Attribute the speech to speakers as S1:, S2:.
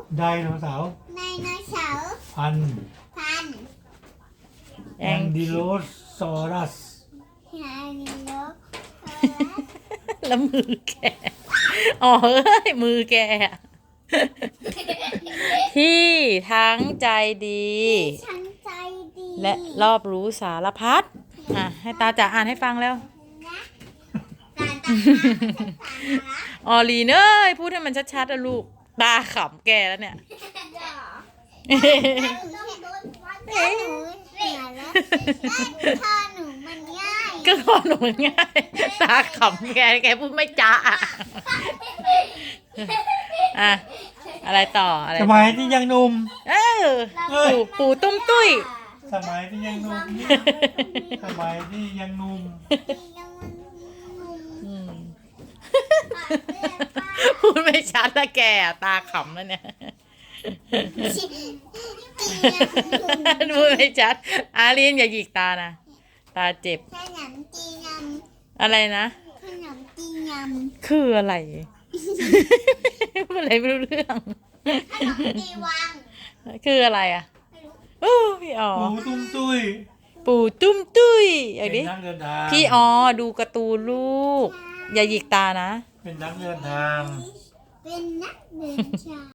S1: ไดโนเสาร์
S2: ไดโนเสาร์
S1: พัน
S2: พัน
S1: แองดิโลซอรัส
S2: ไดโนเสาร์
S3: แล้วมือแกอ๋อเอ้ยมือแกที่ทั้งใจดี
S2: ฉันใจดี
S3: และรอบรู้สารพัดให้ตาจ๋าอ่านให้ฟังแล้ว
S2: นะตาตาตา
S3: ออลีนเอ้ยพูดให้มันชัดๆนะลูกตาขำแกแล้วเนี่ย
S2: ต้องโดนวัดได้หนูเหนื่อยแล้วได้พ่อหนูมันง่าย
S3: ก็ขอหนูมันง่ายตาขำแกพูดไม่จ้าอ่ะอะไรต่ออะไร
S1: สมัยที่ยังหนุ่ม
S3: เออปู่ตุ้มตุ้ย
S1: สมัยที่ยังหนุ่มสมัยที่ยังหนุ่ม
S3: อืมพูดไม่ชัดละแกตาขำแล้วเนี่ยพูดไม่ชัดอาลีนอย่าหยิกตานะตาเจ็บ
S2: ขนมจีน
S3: อะไรนะ
S2: ขนมจีน
S3: คืออะไรพูดอะไรไม่รู้เรื่อง
S2: ขนมจีวัง
S3: คืออะไรอ่ะโอ้พี่อ๋อ
S1: ปูตุ้มตุ้ย
S3: ปู่ตุ้มตุ้ยอย่าง
S1: เป็น
S3: นี้
S1: นักเดินทาง
S3: พี่อ๋อดูการ์ตูนลูก อย่าหยิกตานะ
S1: เป็นนักเดินทาง
S2: เป็นนักเดินทาง